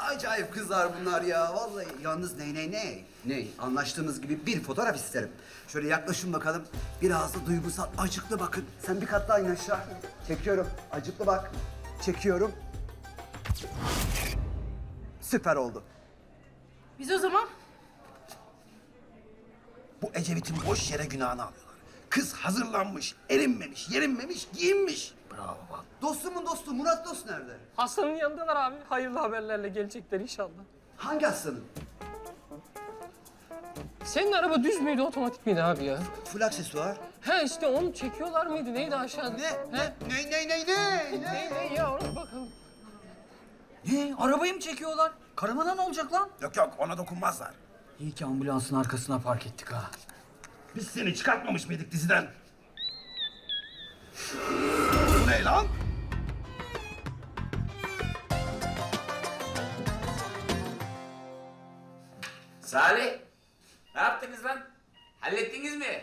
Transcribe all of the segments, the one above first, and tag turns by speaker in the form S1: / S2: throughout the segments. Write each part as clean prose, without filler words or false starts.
S1: acayip kızlar bunlar ya. Vallahi yalnız ney? Anlaştığımız gibi bir fotoğraf isterim. Şöyle yaklaşın bakalım. Biraz da duygusal, acıklı bakın. Sen bir kat daha in aşağı. Çekiyorum. Acıklı bak. Çekiyorum. Süper oldu.
S2: Biz o zaman
S3: Bu Ecevit'in boş yere günahını alıyorlar. Kız hazırlanmış, erinmemiş, yerinmemiş, giyinmiş. Bravo bak.
S1: Dostumun dostu Murat Dost nerede?
S4: Hastanın yanındalar abi. Hayırlı haberlerle gelecekler inşallah.
S1: Hangi hastanın?
S4: Senin araba düz müydü, otomatik miydi abi ya?
S1: Full aksesuar.
S4: He işte onu çekiyorlar mıydı? Neydi aşağıda?
S1: Ne?
S4: He?
S1: Ne?
S4: Ne ya ona bakalım.
S5: Ne? Arabayı mı çekiyorlar? Karavana ne olacak lan?
S3: Yok ona dokunmazlar.
S5: İyi ki ambulansın arkasına park ettik ha.
S3: Biz seni çıkartmamış mıydık diziden? Bu ne lan?
S6: Salih, ne yaptınız lan? Hallettiniz mi?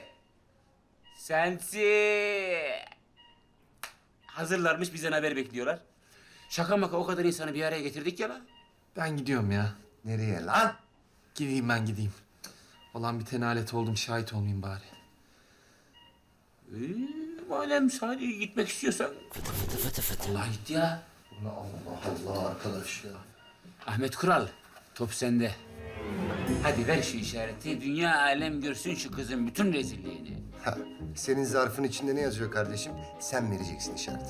S6: Sensi. Hazırlarmış, bizden haber bekliyorlar. Şaka maka o kadar insanı bir araya getirdik ya lan.
S7: Ben gidiyorum ya.
S3: Nereye lan?
S7: Gideyim ben gideyim. Olan bitene alet oldum, şahit olmayayım bari.
S6: Madem Salih gitmek istiyorsan. Allah gitti ya.
S3: Allah arkadaş ya.
S6: Ahmet Kural, top sende. Hadi ver şu işareti, dünya alem görsün şu kızın bütün rezilliğini.
S8: Ha, senin zarfın içinde ne yazıyor kardeşim? Sen vereceksin işareti.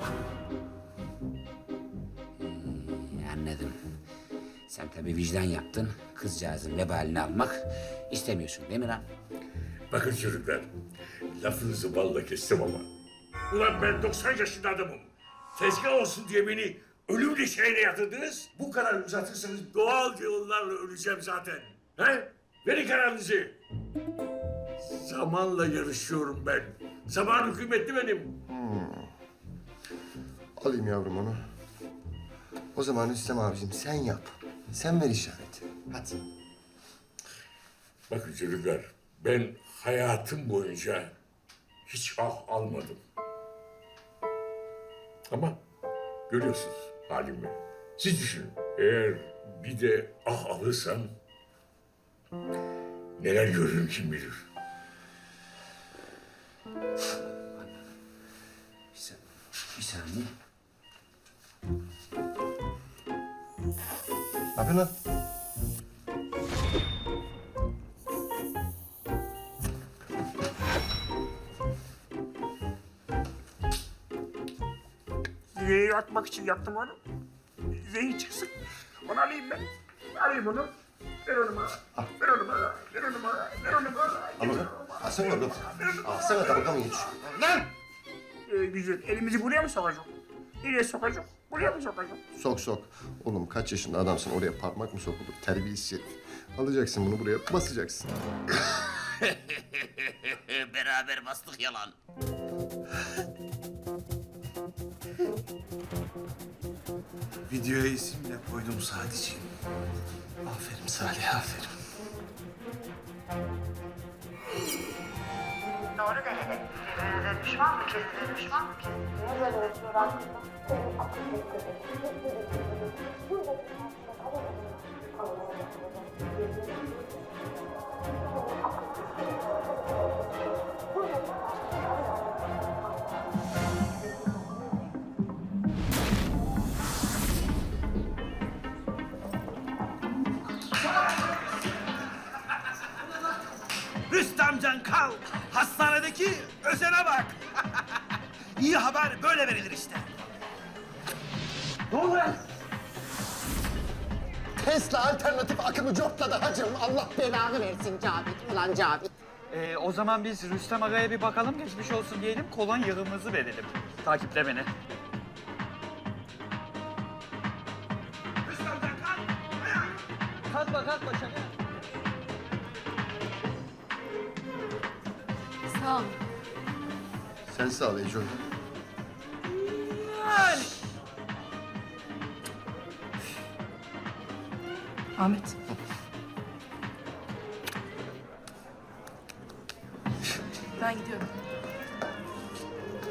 S6: Anladım. Sen tabii vicdan yaptın. Kızcağızın vebalini almak istemiyorsun değil mi lan?
S9: Bakın çocuklar, lafınızı balla kestim ama. Ulan ben 90 yaşında adamım. Tezgah olsun diye beni ölüm döşeğine yatırdınız. Bu kadar uzatırsanız doğal yollarla öleceğim zaten. He? Verin kararınızı. Zamanla yarışıyorum ben. Zaman hükümetli benim.
S8: Alayım yavrum onu. O zaman Rüstem abicim sen yap. Sen ver işareti. Hadi.
S9: Bakın çocuklar, ben hayatım boyunca hiç ah almadım. Ama görüyorsunuz halimi. Siz düşünün, eğer bir de ah alırsam neler görürüm kim bilir.
S6: Bir saniye.
S8: Ne yapıyorsun lan?
S9: Zehir atmak için yaptım onu. Zehir çıksın. Onu alayım ben. Alayım onu. Ver onu bana. Ver onu bana. Ver onu bana. Ver onu bana.
S8: Al onu. Alsana oğlum. Alsana tabaka mı geç?
S9: Lan! Güzel. Elimizi buraya mı sokacak? Nereye sokacak? Buraya mı sokacak?
S8: Sok sok. Oğlum kaç yaşında adamsın oraya parmak mı sokulur? Terbiyesiz herif. Alacaksın bunu buraya basacaksın.
S6: Beraber bastık yalan.
S3: Videoya isimle koydum sadece.
S7: Aferin Salih, aferin.
S10: Doğru denedim. Birbirinize düşman mı kestiniz, düşman mı kestiniz?
S3: Rüstemcan kal. Hastanedeki özene bak. İyi haber böyle verilir işte. Ne oluyor?
S8: Tesla alternatif akımı cortladı hacım. Allah
S11: Belanı versin Cavit, ulan Cavit.
S5: O zaman biz Rüstem Aga'ya bir bakalım, geçmiş olsun diyelim, kolonyamızı verelim. Takiple beni.
S3: Rüstemcan kal. Ayağa.
S5: Kalkma kalkma şaka.
S2: sağ ol.
S8: Sen sağ ol Eco.
S2: Ahmet. Ben gidiyorum.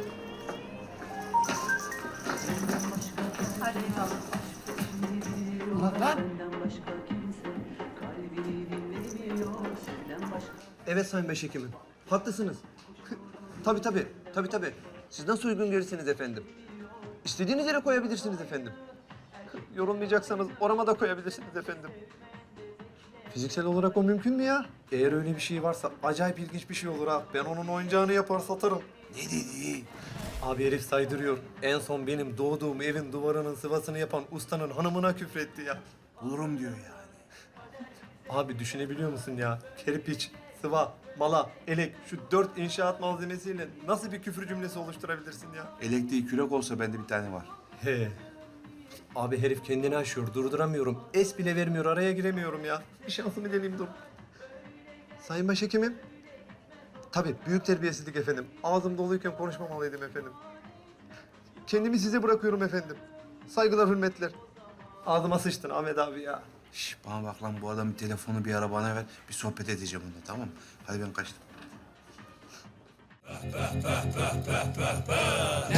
S2: Hadi eyvallah.
S12: Evet Sayın Başhekimim. Haklısınız. Tabii. Siz nasıl uygun görürseniz efendim. İstediğiniz yere koyabilirsiniz efendim. Yorulmayacaksanız orama da koyabilirsiniz efendim. Fiziksel olarak o mümkün mü ya? Eğer öyle bir şey varsa acayip ilginç bir şey olur ha. Ben onun oyuncağını yapar satarım.
S3: Ne dedi?
S12: Abi herif saydırıyor. En son benim doğduğum evin duvarının sıvasını yapan ustanın hanımına küfretti ya.
S3: Bulurum diyor yani.
S12: Abi düşünebiliyor musun ya? Kerpiç, sıva, mala, elek şu 4 inşaat malzemesiyle nasıl bir küfür cümlesi oluşturabilirsin ya?
S3: Elektriği kürek olsa bende bir tane var.
S12: He. Abi herif kendini aşıyor, durduramıyorum. Es bile vermiyor, araya giremiyorum ya. Bir şansımı deneyeyim dur. Sayın Başhekimim. Tabii, büyük terbiyesizlik efendim. Ağzım doluyken konuşmamalıydım efendim. Kendimi size bırakıyorum efendim. Saygılar, hürmetler. Ağzıma sıçtın Ahmet abi ya.
S3: Şş, bana bak lan bu adamın telefonu bir ara bana ver. Bir sohbet edeceğim onunla tamam mı? Hadi ben kaçtım.